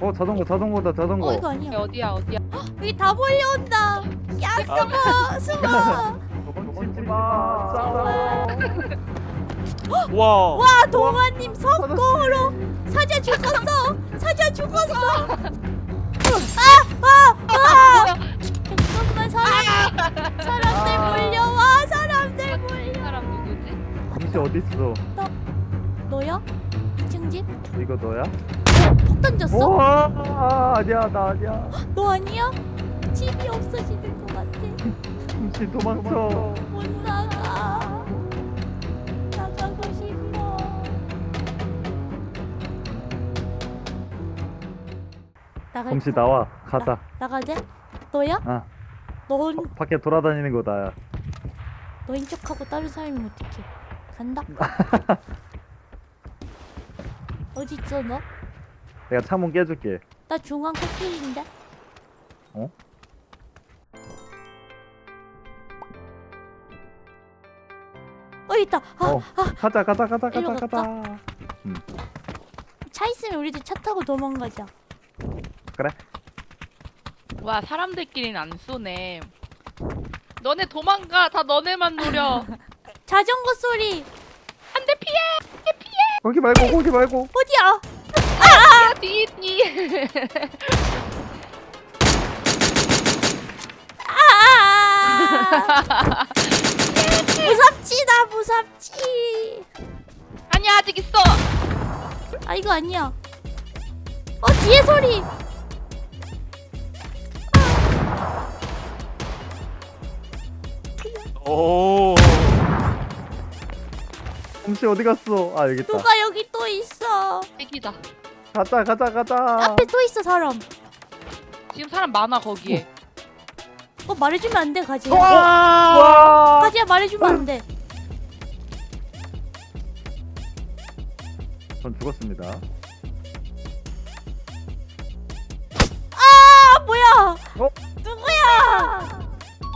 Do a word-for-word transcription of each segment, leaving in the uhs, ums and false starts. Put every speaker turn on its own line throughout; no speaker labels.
어 자전거 자전거다 자전거.
어 이거 아니야.
어디야 어디야?
여기 다 몰려온다. 야 숨어 숨어.
도망치지 마. 싸워.
와.
와 동아님 석공으로 사자 죽었어. 사자 죽었어. 아아아 아, 잠깐만 사람 사람들 몰려와 사람들 몰려.
사람 누구지?
잠시 어디 있어?
너야? 이 층 집?
이거 너야?
폭 던졌어?
오, 아, 아니야 나 아니야.
너 아니야? 집이 없어지는 것 같아.
잠시 도망쳐.
못 나가. 나가고 싶어. 나가.
잠시 나와 가자.
나가재? 너야?
아
넌
밖에 돌아다니는 거 나야.
너인 척하고 다른 사람이면 어떡해? 간다. 어디 있어 너?
내가 창문 깨줄게.
나 중앙 코끼리인데.
어?
어 있다. 아,
어 가자 가자 가자
일로
가자
갈까?
가자.
차 있으면 우리도 차 타고 도망가자.
그래?
와 사람들끼리는 안 쏘네. 너네 도망가. 다 너네만 노려.
자전거 소리.
안 돼 피해.
거기 말고 거기 말고.
어디야?
뒤 뒤.
아! 무섭지 나 무섭지.
아니야 아직 있어.
아 이거 아니야. 어 뒤에 소리.
오.
잠시 어디 갔어? 아 여기 있다.
누가 여기 또 있어.
애기다.
가자 가자 가자.
앞에 또 있어 사람.
지금 사람 많아 거기에.
어 말해주면 안 돼 가지야.
와.
가지야 말해주면 안 돼.
전 죽었습니다.
아 뭐야?
어?
누구야?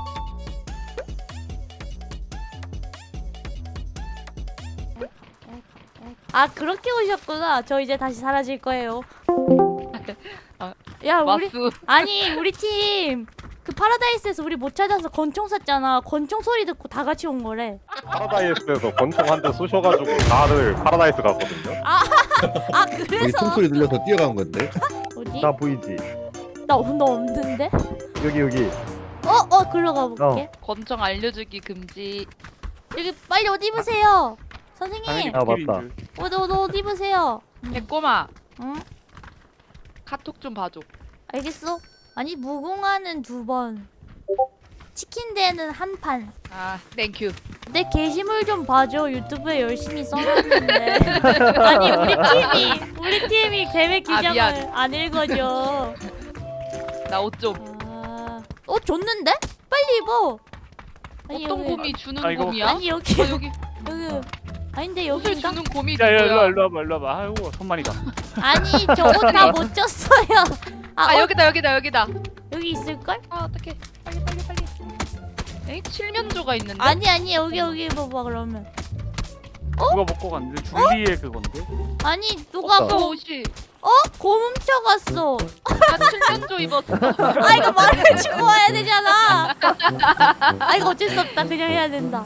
아 그렇게 오셨구나. 저 이제 다시 사라질 거예요.
아,
야 우리
마수.
아니 우리 팀 그 파라다이스에서 우리 못 찾아서 권총 쐈잖아. 권총 소리 듣고 다 같이 온 거래.
파라다이스에서 권총 한 대 쏘셔가지고 다들 파라다이스 갔거든요.
아
여기
그래서
총소리 들려서 뛰어간 건데.
어디?
나 보이지?
나 너 없는데?
여기 여기.
어어 글로 가볼게.
권총 알려주기 금지.
여기 빨리 옷 입으세요.
당연히
선생님.
아,
코끼리인
맞다.
줄.
옷 옷 옷 입으세요.
개꼬마
응?
카톡 좀 봐줘.
알겠어? 아니 무궁화는 두 번. 치킨 대는 한 판.
아 땡큐.
내 게시물 좀 봐줘. 유튜브에 열심히 써놨는데. 아니 우리 팀이 우리 팀이 계획
아,
규정을
미안.
안 읽어줘.
나 옷 좀.
아, 옷 줬는데? 빨리 입어. 아니
어떤
여기
곰이 주는
아, 이거
곰이야?
아니 여기
어, 여기
여기 아닌데
옷을
여기인가?
주는 곰이
야, 야, 일로 와,
누구야?
일로 와봐, 일로 와봐. 아이고, 손만이다.
아니 저 옷 다 못 줬어요. 아,
아
어,
여기다 여기다 여기다.
여기 있을걸?
아 어떡해. 빨리 빨리 빨리. 에이 칠면조가 있는데?
아니 아니 여기 여기 입어봐 그러면.
누가 먹고 갔는데? 줄리의 그건데?
아니 누가
없어
고,
옷이.
어? 고 훔쳐갔어.
나 칠면조 입었어.
아 이거 말해주고 와야 되잖아. 아 이거 어쩔 수 없다. 그냥 해야 된다.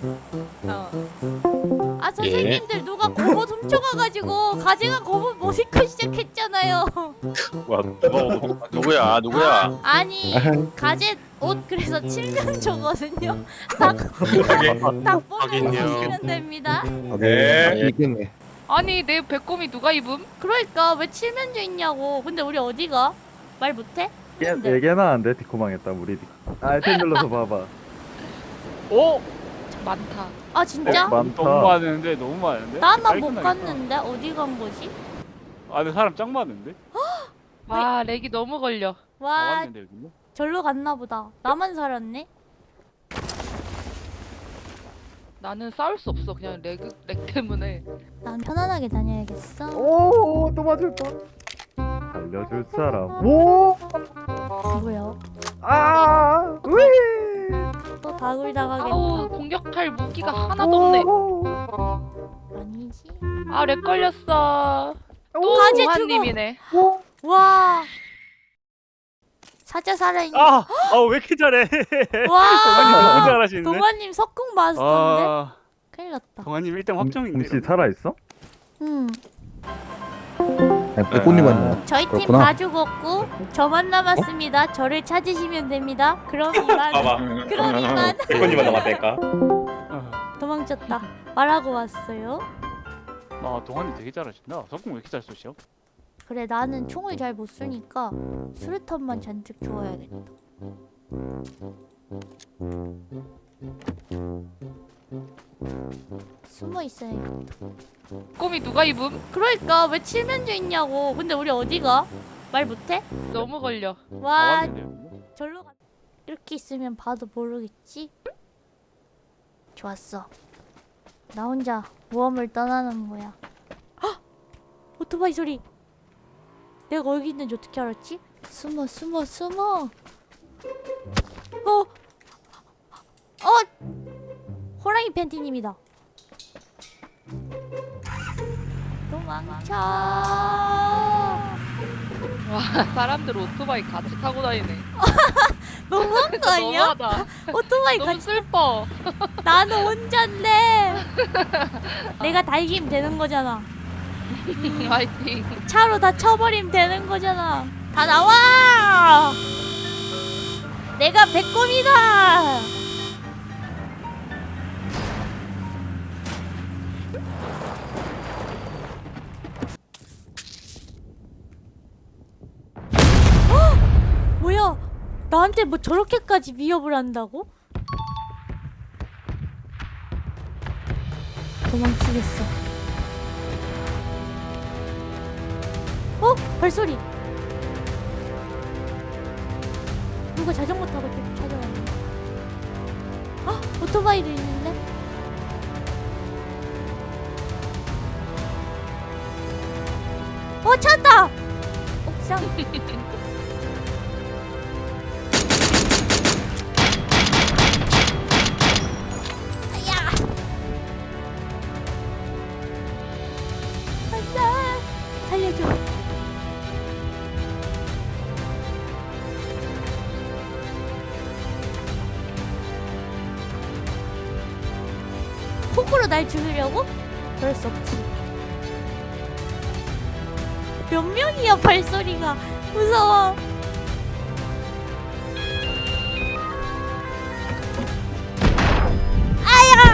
어.
아 선생님들 누가 고옷 훔쳐가가지고 가재가 고옷 못 입고 시작했잖아요.
와 누가 누구야 누구야?
아니 가재 옷 그래서 칠면조거든요. 딱 딱 보면 됩니다.
네.
이겼네.
아니 내 배꼽이 누가 입음?
그러니까 왜 칠면조 있냐고. 근데 우리 어디가? 말 못해?
얘 얘기나 안 돼. 디코망했다 우리. 알텐 눌러서 봐봐.
오!
많다.
아 진짜?
어, 많다.
너무 많은데, 너무 많은데?
나만 못
깔끔하겠다.
갔는데 어디 간 거지?
아, 근데 사람 짱 많은데?
와 렉이 너무 걸려.
다
와
왔는데, 여기는?
절로 갔나 보다. 나만 살았네.
나는 싸울 수 없어. 그냥 렉, 렉 때문에.
난 편안하게 다녀야겠어.
오또 맞을 뻔. 알려줄 사람. 오.
누구야?
아. 으이.
또 다굴 당하겠다.
아우 공격할 무기가 하나도 없네.
아니지.
아 렉 걸렸어. 또
가지
동환님이네.
와 사자 살아있는.
아! 아왜 이렇게 잘해? 동환이 너무
와.
잘하시는데?
동환님 석궁 마스터인데.
아
큰일 났다.
동환님 일 등 확정인데.
혹시 살아있어?
음.
아니, 빼꼬니만.
저희 팀
그렇구나.
다 죽었고 저만 남았습니다. 저를 찾으시면 됩니다. 그럼 이만.
봐봐.
그럼 이만.
백건님만 남았다니까.
아,
도망쳤다. 말하고 왔어요.
아 동환이 되게 잘하신다. 석궁 왜 이렇게 잘 쏘시죠?
그래 나는 총을 잘 못 쏘니까 수류탄만 잔뜩 주워야겠다. 숨어 있어야겠다.
꼬미 누가 입음?
그러니까 왜 칠면조 있냐고. 근데 우리 어디가? 말 못해?
너무 걸려.
와
나왔는데요.
절로 가. 이렇게 있으면 봐도 모르겠지? 좋았어. 나 혼자 모험을 떠나는 거야. 헉! 오토바이 소리. 내가 여기 있는지 어떻게 알았지? 숨어 숨어 숨어. 어? 어? 호랑이 팬티님이다. 도망쳐.
와 사람들 오토바이 같이 타고 다니네.
너무한 거 아니야?
너무하다.
오토바이
너무
같이.
슬퍼.
나는 혼잔데. 내가 다 이기면 되는 거잖아.
화이팅.
차로 다 쳐버리면 되는 거잖아. 다 나와! 내가 백곰이다! 헉! 뭐야? 나한테 뭐 저렇게까지 위협을 한다고? 도망치겠어. 어? 발소리. 누가 자전거 타고 이렇게 찾아왔네. 아, 오토바이도 있는데? 어, 찾았다! 옥상. 아야! 안돼! 살려줘. 폭으로 날 죽이려고? 그럴 수 없지. 몇 명이야 발소리가. 무서워. 아야!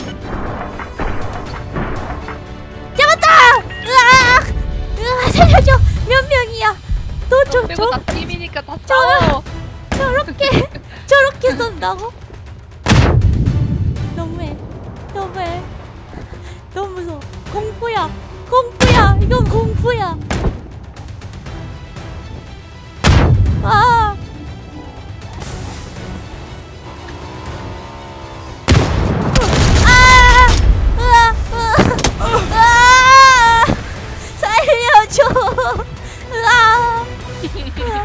잡았다! 으악! 으악! 살려줘! 몇 명이야? 너 저,
빼고
저,
다 팀이니까 다 싸워.
저렇게, 저렇게 쏜다고? 너무해. 너무해. 너무 무서워. 공포야. 공포야. 이건 공포야. 아. 아. 으아. 으아. 으아. 살려줘. 으아. 으아.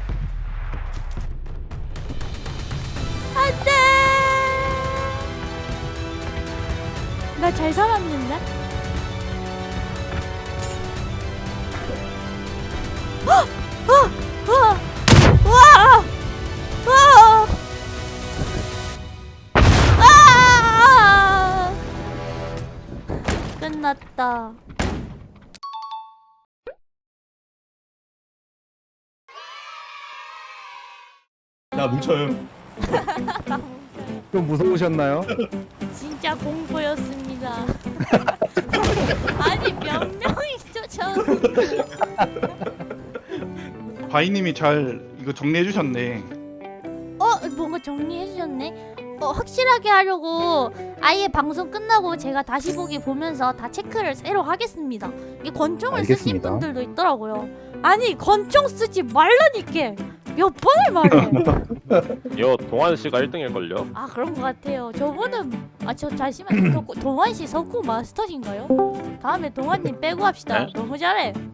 안 돼. 나 잘 살았는데? 어! 어! 와! 와! 와! 아! 끝났다.
나 뭉쳐요.
좀 무서우셨나요?
진짜 공포였습니다. 아니 몇 명이 쫓아오.
바이님이 잘 이거 정리해 주셨네.
어 뭔가 정리해 주셨네. 어 확실하게 하려고 아예 방송 끝나고 제가 다시 보기 보면서 다 체크를 새로 하겠습니다. 이게 권총을 쓰신
알겠습니다.
분들도 있더라고요. 아니 권총 쓰지 말라니까 몇 번을 말해.
이거 동환 씨가 일 등일걸요?
아 그런 것 같아요. 저분은 아 저 잠시만 동환 씨 석구 마스터신가요? 다음에 동환님 빼고 합시다.
네?
너무 잘해.